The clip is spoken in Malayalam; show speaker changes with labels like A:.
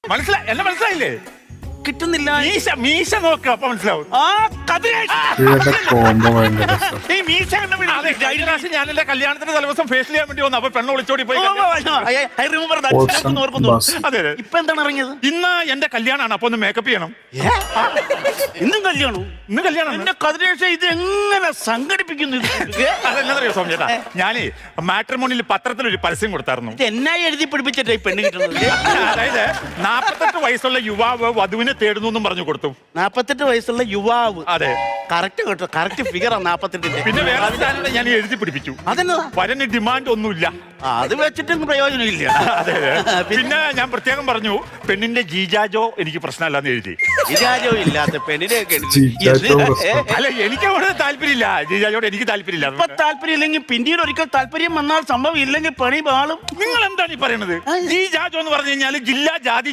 A: മനസ്സിലായി, എന്നെ മനസ്സിലായില്ലേ?
B: കിട്ടുന്നില്ല.
A: മീശ നോക്ക്, അപ്പൊ മനസ്സിലാവും.
B: ആ കതിരേഷ്,
C: ഇവരുടെ കോംബോ ഭയങ്കര രസം.
B: ഈ മീശ കണ്ട
A: അതെ, കഴിഞ്ഞ പ്രാവശ്യം ഞാൻ എന്റെ കല്യാണത്തിന്റെ തലേദിവസം ഫേഷ്യൽ ചെയ്യാൻ വേണ്ടി വന്നു. അപ്പൊ പെണ്ണ് ഒളിച്ചോടി പോയി.
C: Option bus.
A: അതെ അതെ.
B: ഇപ്പൊ എന്താണ് ഇറങ്ങിയത്?
A: ഇന്ന് എന്റെ കല്യാണമാണ്, അപ്പൊ ഒന്ന് മേക്കപ്പ് ചെയ്യണം.
B: ഇന്നും കല്യാണം?
A: ഇന്ന് കല്യാണം.
B: എന്റെ കതിരേഷ ഇത് എങ്ങനെ സംഘടിപ്പിക്കുന്നു?
A: അതെന്നറിയോ സോമ ചേട്ടാ, ഞാനേ മാട്രിമോണിയിൽ പത്രത്തിലൊരു പരസ്യം കൊടുത്തായിരുന്നു.
B: ഇത് എന്നായി എഴുതി പിടിപ്പിച്ചിട്ട് ഈ പെണ്ണ് കിട്ടുന്നത്?
A: അതായത് 48 വയസ്സുള്ള യുവാവ് വധുവിനെ തേടുന്നു എന്നും പറഞ്ഞു കൊടുത്തു.
B: 48 വയസ്സുള്ള യുവാവ്.
A: അതെ,
B: കറക്റ്റ് കേട്ടോ, കറക്റ്റ് ഫിഗറാ 48.
A: പിന്നെ വേറെ സാധനം ഞാൻ എഴുതി പിടിപ്പിച്ചു.
B: അതെന്നതാ?
A: വരന് ഡിമാൻഡ് ഒന്നുമില്ല.
B: അത് വെച്ചിട്ടും പ്രയോജനമില്ല.
A: അതെ അതെ. പിന്നെ ഞാൻ പ്രത്യേകം പറഞ്ഞു, പെണ്ണിന്റെ ജീജാജോ എനിക്ക് പ്രശ്നമല്ലെന്ന് എഴുതി.
B: വിചാരവും ഇല്ലാത്ത പെണ്ണിനെയൊക്കെ
C: ജീജാജോ പ്രശ്നം.
A: അല്ല, എനിക്ക് അവിടെ താല്പര്യമില്ല. ജീജാജോട് എനിക്ക് താല്പര്യമില്ല.
B: ഇപ്പൊ താല്പര്യം ഇല്ലെങ്കിൽ പിന്നീട് ഒരിക്കൽ താല്പര്യം വന്നാൽ സംഭവം ഇല്ലെങ്കിൽ പണി പാളും.
A: നിങ്ങൾ എന്താണ് ഈ പറയുന്നത്? ജീജാജോ എന്ന് പറഞ്ഞു കഴിഞ്ഞാൽ ജില്ലാ ജാതി